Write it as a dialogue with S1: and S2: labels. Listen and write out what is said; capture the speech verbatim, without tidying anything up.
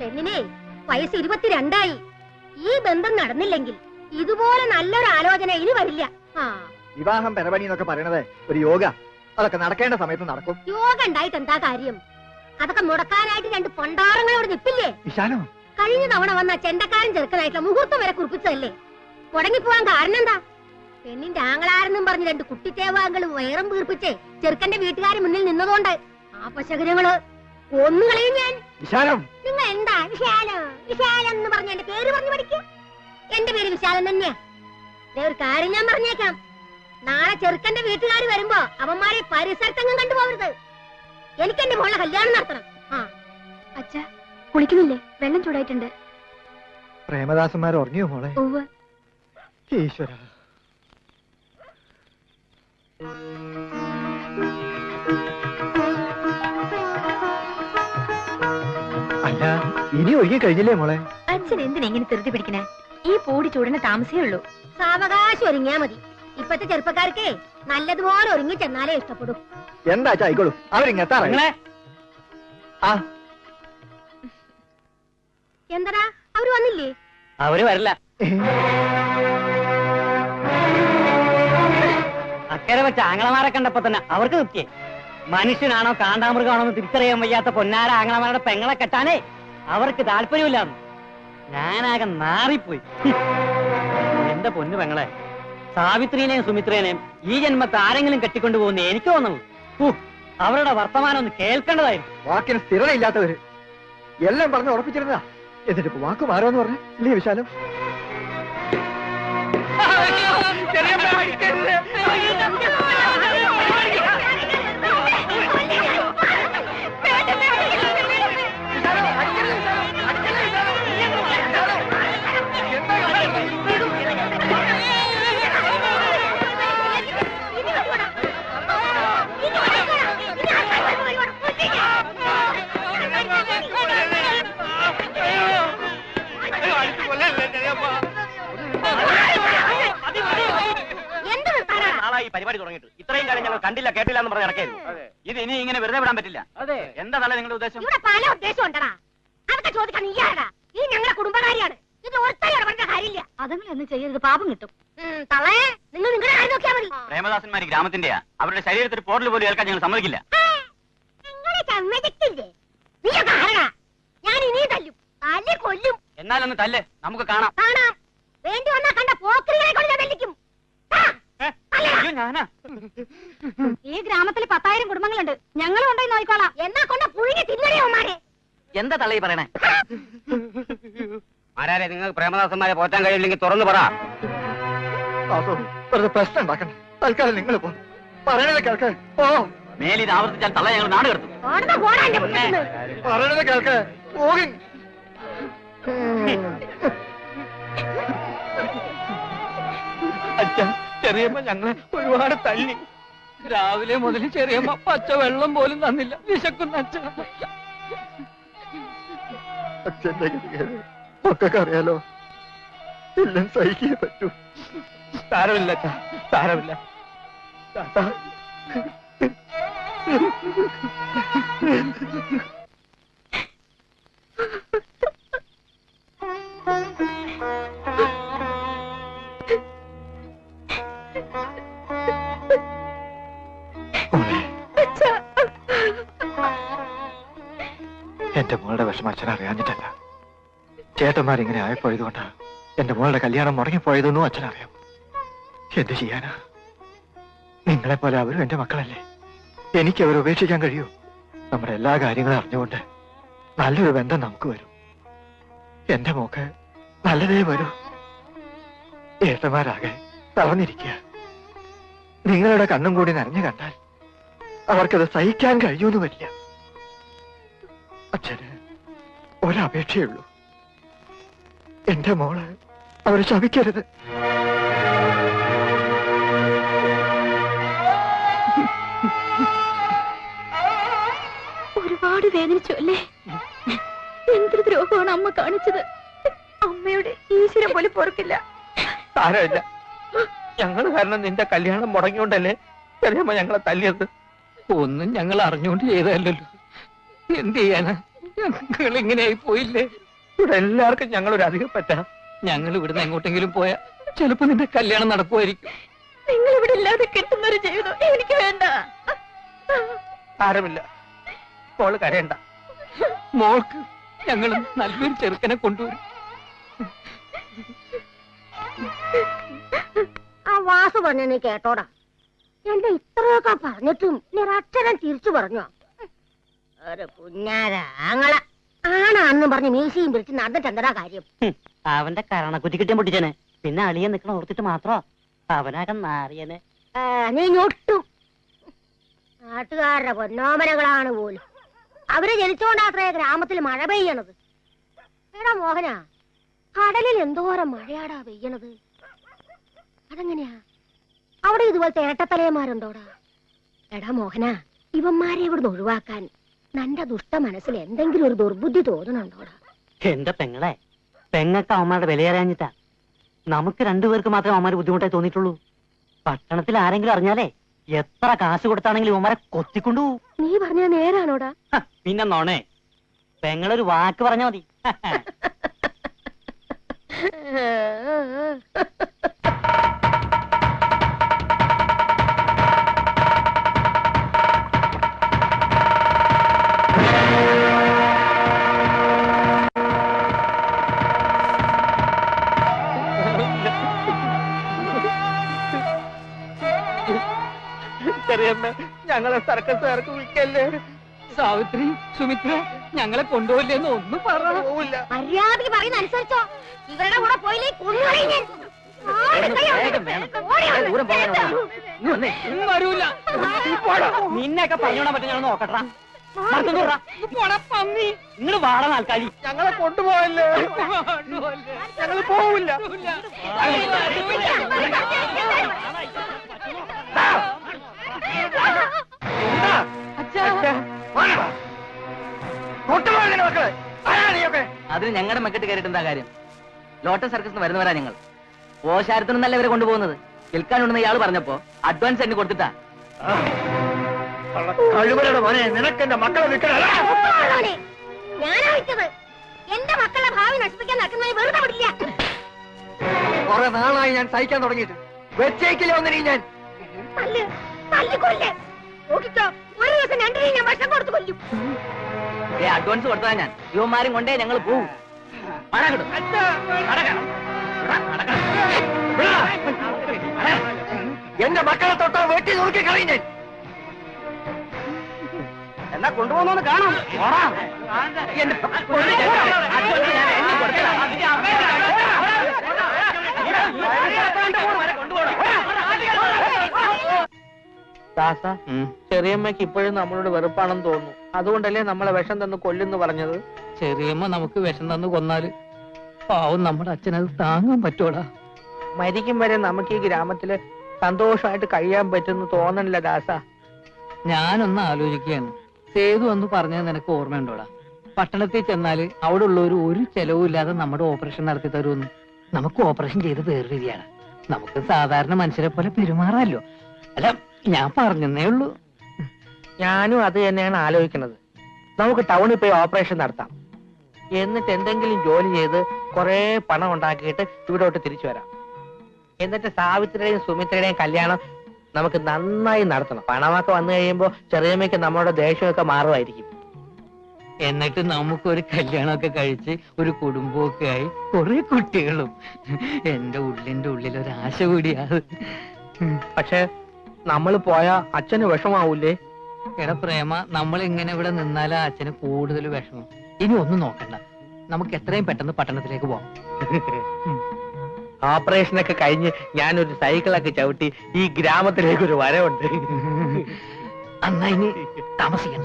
S1: പെണ്ണിനെ വയസ്സ് ഇരുപത്തിരണ്ടായി. ഈ ബന്ധം നടന്നില്ലെങ്കിൽ ഇതുപോലെ നല്ലൊരു ആലോചന ഇനി വരില്ല.
S2: വിവാഹം പെരപണി എന്നൊക്കെ പറയണത് ഒരു യോഗ. അതൊക്കെ നടക്കേണ്ട സമയത്ത് നടക്കും.
S1: യോഗ ഉണ്ടായിട്ട് എന്താ കാര്യം? അതൊക്കെ മുടക്കാനായിട്ട് രണ്ട് പൊണ്ടാറങ്ങളോട് നിപ്പില്ലേ? കഴിഞ്ഞ തവണ വന്ന ചെണ്ടക്കാരൻ ചെറുക്കനായിട്ടുള്ള മുഹൂർത്തം വരെ കുറിപ്പിച്ചതല്ലേ? മുടങ്ങിപ്പോവാൻ കാരണം എന്താ? പെണ്ണിന്റെ ആങ്ങളാരെന്നും പറഞ്ഞ് രണ്ട് കുട്ടിത്തേവാങ്കൾ വയറും വീർപ്പിച്ച് ചെറുക്കന്റെ വീട്ടുകാർ മുന്നിൽ നിന്നതുകൊണ്ട് ആ പശകരങ്ങള് ഒന്നുകളെയും ഞാൻ. നിങ്ങൾ എന്താ വിശാലം വിശാലം എന്ന് പറഞ്ഞ എന്റെ പേര് പറഞ്ഞു പഠിക്കും? എന്റെ പേര് വിശാലം തന്നെയാ. ഒരു കാര്യം ഞാൻ പറഞ്ഞേക്കാം, നാളെ ചെറുക്കന്റെ വീട്ടുകാർ വരുമ്പോ അവന്മാരെ പരിസരത്തെങ്ങും കണ്ടുപോകരുത്. എനിക്ക് എന്റെ മോളെ കല്യാണം നടത്തണം. ആ
S3: അച്ഛാ, കുളിക്കുന്നില്ലേ? വെള്ളം ചൂടായിട്ടുണ്ട്.
S2: പ്രേമദാസന്മാർ ഉറങ്ങിയോ മോളെ? ഈശ്വര, അല്ല ഇനി ഒഴുകി കഴിഞ്ഞില്ലേ മോളെ?
S3: അച്ഛൻ എന്തിനാ ഇങ്ങനെ ധൃതി പിടിക്കണേ? ഈ പൂടി ചൂടിന് താമസേ ഉള്ളൂ.
S1: സാവകാശം ഒരുങ്ങിയാ മതി. ഇപ്പത്തെ ചെറുപ്പക്കാർക്ക് നല്ലതുപോലെ ഒരുങ്ങി ചെന്നാലേ ഇഷ്ടപ്പെടും.
S2: എന്താ ആയിക്കോളൂ, അവരിങ്ങെത്താറേ.
S1: എന്താ അവര് വന്നില്ലേ?
S4: അവര് വരില്ല. അക്കരെ വെച്ച ആങ്ങളമാരെ കണ്ടപ്പോ തന്നെ അവർക്ക് നിർത്തിയേ. മനുഷ്യനാണോ കാണ്ടാമൃഗമാണോ എന്ന് തിരിച്ചറിയാൻ വയ്യാത്ത പൊന്നാര ആങ്ങളമാരുടെ പെങ്ങളെ കെട്ടാനേ അവർക്ക് താല്പര്യമില്ലാന്ന്. ഞാനാകെ നാറിപ്പോയി. എന്റെ പൊന്നു പെങ്ങളെ, സാവിത്രീനെയും സുമിത്രേനെയും ഈ ജന്മത്തെ ആരെങ്കിലും കെട്ടിക്കൊണ്ടു പോകുന്ന എനിക്ക് തോന്നുന്നു. അവരുടെ വർത്തമാനം ഒന്ന് കേൾക്കേണ്ടതായിരുന്നു.
S2: വാക്കിന് സ്ഥിരതയില്ലാത്തവര് എല്ലാം പറഞ്ഞ് ഉറപ്പിച്ചിരുന്നതാ. എന്നിട്ട് വാക്ക് മാറുമെന്ന് പറഞ്ഞു ഇല്ലേ വിശാലം?
S4: പരിപാടി തുടങ്ങിയിട്ട് ഇത്രയും കാലം ഞങ്ങൾ കണ്ടില്ല കേട്ടില്ല എന്ന് പറഞ്ഞ് ഇറക്കായിരുന്നു. ഇത് ഇനി ഇങ്ങനെ വെറുതെ വിടാൻ പറ്റില്ല. അതെ, എന്താ തല നിങ്ങളുടെ ഉദ്ദേശം?
S1: ഇവിടെ പല ഉദ്ദേശം ഉണ്ടടാ. അതൊക്കെ ചോദിക്കാൻ നീയാടാ. ഈ ഞങ്ങളെ കുടുംബകാരിയാണ്. ഇത് ഒറ്റ കാര്യമില്ല.
S3: അതങ്ങളൊന്നും ചെയ്യരുത്, പാപം കിട്ടും.
S1: തളേ, നിങ്ങൾ നിങ്ങളുടെ കാര്യം നോക്കിയാൽ മതി.
S4: പ്രേമദാസന്മാര് ഗ്രാമത്തിന്റെയാ. അവരുടെ ശരീരത്തിൽ പോർട്ടൽ പോലും ഏൽക്കാൻ ഞങ്ങൾ സമ്മതിക്കില്ല.
S1: ഞാൻ ഇനിയും തല്ലും, തല്ലി കൊല്ലും.
S4: എന്നാലൊന്ന് തല്ല്, നമുക്ക് കാണാം.
S1: കാണാം. വേണ്ടി വന്നാ കണ്ട പോക്രികളെ കൊണ്ട് ഞാൻ തല്ലിക്കും.
S3: ഈ ഗ്രാമത്തിൽ പത്തായിരം കുടുംബങ്ങളുണ്ട്. ഞങ്ങളും ഉണ്ടായി നോക്കിക്കോളാം.
S1: എന്നാ കൊണ്ട പുഴുങ്ങി തിന്നണേമാരെ.
S4: എന്താ തള്ളി പറയണേ? ആരാരെ നിങ്ങൾക്ക് പ്രേമദാസന്മാരെ പോറ്റാൻ കഴിയില്ലെങ്കിൽ തുറന്നു പറ.
S2: പ്രശ്നം ഉണ്ടാക്കണ്ട. തൽക്കാലം നിങ്ങൾ പോ. പറയണത് കേൾക്ക്. ഓ
S4: മേലിത് ആവർത്തിച്ചാൽ തള്ള ഞങ്ങൾ നാട് കടത്തും.
S2: പറയണത് കേൾക്ക്. പോകി
S5: അച്ഛാ, ചെറിയമ്മ ഞങ്ങളെ ഒരുപാട് തല്ലി. രാവിലെ മുതൽ ചെറിയമ്മ പച്ച വെള്ളം പോലും തന്നില്ല. വിശക്കുന്ന അച്ഛൻ.
S2: അച്ഛന്റെ ഒക്കെ അറിയാലോ. എല്ലാം സഹിക്കേ പറ്റൂ.
S5: സാരമില്ല അച്ഛാ, സാരമില്ല.
S2: എന്റെ മോളുടെ വിഷമം അച്ഛൻ അറിയാഞ്ഞിട്ടല്ല. ചേട്ടന്മാരിങ്ങനെ ആയപ്പോയതുകൊണ്ടാ എന്റെ മോളുടെ കല്യാണം മുടങ്ങിപ്പോയതെന്നും അച്ഛനറിയാം. എന്ത് ചെയ്യാനാ? നിങ്ങളെപ്പോലെ അവരും എന്റെ മക്കളല്ലേ. എനിക്ക് അവരെ ഉപേക്ഷിക്കാൻ കഴിയൂ? നമ്മുടെ എല്ലാ കാര്യങ്ങളും അറിഞ്ഞുകൊണ്ട് നല്ലൊരു ബന്ധം നമുക്ക് വരും. എന്റെ മോക്ക് നല്ലതേ വരൂ. ഏട്ടന്മാരാകെ തളർന്നിരിക്കുക. നിങ്ങളുടെ കണ്ണും കൂടി നനഞ്ഞു കണ്ടാൽ അവർക്കത് സഹിക്കാൻ കഴിയൂന്ന് വരില്ല. അച്ഛന് ഒരപേക്ഷയുള്ളൂ. എന്റെ മോള് അവരെ ശപിക്കരുത്.
S3: ഒരുപാട് വേദനിച്ചു അല്ലേ? എന്തൊരു ദ്രോഹമാണ് അമ്മ കാണിച്ചത്. അമ്മയുടെ ഈശ്വരം പോലെ പൊറുക്കില്ല.
S5: സാരമില്ല, ഞങ്ങൾ കാരണം നിന്റെ കല്യാണം മുടങ്ങിയോണ്ടല്ലേ ചെറിയമ്മ ഞങ്ങളെ തല്ലിയത്. ഒന്നും ഞങ്ങൾ അറിഞ്ഞുകൊണ്ട് ചെയ്തതല്ലോ. എന്ത് ചെയ്യാനാ? ഞങ്ങൾ ഇങ്ങനെയായി പോയില്ലേ?
S2: ഇവിടെ എല്ലാവർക്കും ഞങ്ങളൊരു അധികം പറ്റാം.
S5: ഞങ്ങൾ ഇവിടുന്ന് എങ്ങോട്ടെങ്കിലും പോയാ ചിലപ്പോ നിന്റെ കല്യാണം നടക്കുമായിരിക്കും.
S3: നിങ്ങൾ ഇവിടെ ഇല്ലാതെ കിട്ടുന്നൊരു ജീവിതം എനിക്ക് വേണ്ട.
S2: ആരുമില്ല, മോള് കരയണ്ട.
S5: മോൾക്ക് ഞങ്ങൾ നല്ലൊരു ചെറുക്കനെ കൊണ്ടുവരും.
S1: ആ വാസു പറഞ്ഞ നീ കേട്ടോടാ. എന്റെ ഇത്രയൊക്കെ പറഞ്ഞിട്ടും നീ ഒരക്ഷരം തിരിച്ചു പറഞ്ഞോ? ഒരു കുഞ്ഞാരാങ്ങള ആണാന്നും പറഞ്ഞ് മീശയും പിടിച്ച് നടന്നിട്ട് എന്താ കാര്യം?
S4: അവന്റെ കരണക്കുറ്റി കിട്ടിയ പൊട്ടിച്ചനെ. പിന്നെ അളിയെ നിക്കണ ഓർത്തിട്ട് മാത്രോ അവനാകെ നാറിയനെ.
S1: നീ ഞൊട്ടും. നാട്ടുകാരുടെ പൊന്നോമനകളാണ് പോലും. അവര് ജനിച്ചോണ്ടാത്രേ ഗ്രാമത്തിൽ മഴ പെയ്യണത്. എടാ മോഹന, കടലിൽ എന്തോരം മഴയാടാ പെയ്യണത്. അതെങ്ങനെയാ? അവിടെ ഇതുപോലത്തെ ഇരട്ടത്തലയന്മാരുണ്ടോടാ? എടാ മോഹന, ഇവന്മാരെ ഇവിടുന്ന് ഒഴിവാക്കാൻ നിന്റെ ദുഷ്ട മനസ്സിൽ എന്തെങ്കിലും ഒരു ദുർബുദ്ധി തോന്നണുണ്ടോടാ?
S4: എന്റെ പെങ്ങളെ, പെങ്ങക്ക് അവന്മാരുടെ വിലയേറിയാഞ്ഞിട്ടാ. നമുക്ക് രണ്ടുപേർക്ക് മാത്രമേ അവന്മാര് ബുദ്ധിമുട്ടായി തോന്നിയിട്ടുള്ളൂ. പട്ടണത്തിൽ ആരെങ്കിലും അറിഞ്ഞാലേ എത്ര കാശ് കൊടുത്താണെങ്കിലും അവന്മാരെ കൊത്തിക്കൊണ്ടു.
S1: നീ പറഞ്ഞത് നേരാണോടാ?
S4: പിന്നെ നോണേ, പെങ്ങളൊരു വാക്ക് പറഞ്ഞാ മതി.
S2: ചെറിയമ്മ, ഞങ്ങളെ സർക്കസുകാർക്ക് വിൽക്കല്ലേ.
S5: സാവിത്രി, സുമിത്ര, ഞങ്ങളെ കൊണ്ടുപോയില്ലെന്ന് ഒന്നും പറയില്ല.
S1: മര്യാദക്ക് പറയുന്ന അനുസരിച്ചോ? ഇവരുടെ കൂടെ പോയില്ലേ കൊന്നുകളയും ഞാൻ.
S5: വരൂല.
S4: നിന്നെയൊക്കെ പറഞ്ഞോടാൻ പറ്റും. ഞങ്ങൾ നോക്കട്ടാ.
S5: പന്നി,
S4: നിങ്ങൾ വാട നാൽക്കാലി.
S2: ഞങ്ങളെ കൊണ്ടുപോയല്ലേ. ഞങ്ങൾ പോവില്ല.
S6: അതിന് ഞങ്ങളുടെ മെക്കെട്ട് കയറിയിട്ട് എന്താ കാര്യം? ലോട്ടസ് സർക്കസിന് വരുന്നവരാ ഞങ്ങൾ. ഓശാരത്തിനൊന്നല്ല ഇവരെ കൊണ്ടുപോകുന്നത്. വിൽക്കാനുണ്ടെന്ന് ഇയാൾ പറഞ്ഞപ്പോ അഡ്വാൻസ് എന്നെ കൊടുത്തിട്ടാ.
S2: കഴിവരുടെ മോനെ, നിനക്ക് എന്റെ മക്കളെ വിൽക്കണ.
S1: ഞാനാ വിറ്റത്. എന്റെ മക്കളുടെ ഭാവി നശിപ്പിക്കാൻ നടക്കുന്നത് വെറുതെ വിടില്ല.
S2: കുറെ നാളായി ഞാൻ സഹിക്കാൻ തുടങ്ങിയിട്ട്. വെച്ചേക്കില്ല ഒന്നിനും ഞാൻ.
S1: തല്ല്, തല്ലിക്കൊല്ലേ. നോക്കിക്കോ, ഒരു ദിവസം രണ്ടിനെയും ഞാൻ ഭക്ഷണം കൊടുത്തു കൊല്ലും.
S6: ഏ അഡ്വാൻസ് കൊടുത്താ ഞാൻ യുവമാരും കൊണ്ടേ ഞങ്ങൾ പോവും.
S2: എന്റെ മക്കളെ തൊട്ടാ വെട്ടി നോക്കി കളഞ്ഞ.
S6: എന്നാ കൊണ്ടുപോകുന്നോന്ന് കാണാം.
S5: ദാസ, ചെറിയമ്മയ്ക്ക് ഇപ്പോഴും നമ്മളോട് വെറുപ്പാണെന്ന് തോന്നുന്നു. അതുകൊണ്ടല്ലേ നമ്മളെ വിഷം തന്ന് കൊല്ലുന്നു പറഞ്ഞത്. ചെറിയമ്മ നമുക്ക് വിഷം തന്ന് കൊന്നാല് പാവം നമ്മുടെ അച്ഛനത് താങ്ങാൻ പറ്റൂടാ. മരിക്കും വരെ നമുക്ക് ഈ ഗ്രാമത്തില് സന്തോഷമായിട്ട് കഴിയാൻ പറ്റുന്നു തോന്നണില്ല ദാസ. ഞാനൊന്ന് ആലോചിക്കുകയാണ്. സേതു എന്ന് പറഞ്ഞത് നിനക്ക് ഓർമ്മയുണ്ടോടാ? പട്ടണത്തിൽ ചെന്നാല് അവിടെ ഉള്ളവർ ഒരു ചെലവും ഇല്ലാതെ നമ്മുടെ ഓപ്പറേഷൻ നടത്തി തരുമെന്ന്. നമുക്ക് ഓപ്പറേഷൻ ചെയ്ത് വേർതിരിയാണ്. നമുക്ക് സാധാരണ മനുഷ്യരെ പോലെ പെരുമാറാമല്ലോ. അല്ല, ഞാൻ പറഞ്ഞേ ഉള്ളൂ. ഞാനും അത് തന്നെയാണ് ആലോചിക്കുന്നത്. നമുക്ക് ടൗണിൽ പോയി ഓപ്പറേഷൻ നടത്താം. എന്നിട്ട് എന്തെങ്കിലും ജോലി ചെയ്ത് കുറെ പണം ഉണ്ടാക്കിയിട്ട് ഇവിടോട്ട് തിരിച്ചു വരാം. എന്നിട്ട് സാവിത്രിയുടെയും സുമിത്രയുടെയും കല്യാണം നമുക്ക് നന്നായി നടത്തണം. പണമൊക്കെ വന്നു കഴിയുമ്പോ ചെറിയമ്മയ്ക്ക് നമ്മുടെ ദേഷ്യമൊക്കെ മാറുമായിരിക്കും. എന്നിട്ട് നമുക്കൊരു കല്യാണമൊക്കെ കഴിച്ച് ഒരു കുടുംബമൊക്കെ ആയി കുറെ കുട്ടികളും. എന്റെ ഉള്ളിന്റെ ഉള്ളിൽ ഒരാശ കൂടിയാണ്. പക്ഷെ നമ്മൾ പോയാ അച്ഛന് വിഷമാവൂലേ? എടാ പ്രേമ, നമ്മൾ ഇങ്ങനെ ഇവിടെ നിന്നാലാ അച്ഛന് കൂടുതൽ വിഷമം. ഇനി ഒന്നും നോക്കണ്ട, നമുക്ക് എത്രയും പെട്ടെന്ന് പട്ടണത്തിലേക്ക് പോവാം.
S2: ഓപ്പറേഷനൊക്കെ കഴിഞ്ഞ് ഞാനൊരു സൈക്കിളൊക്കെ ചവിട്ടി ഈ ഗ്രാമത്തിലേക്ക് ഒരു വരവുണ്ട്.
S5: അന്നാ ഇനി താമസിക്കണ്ട.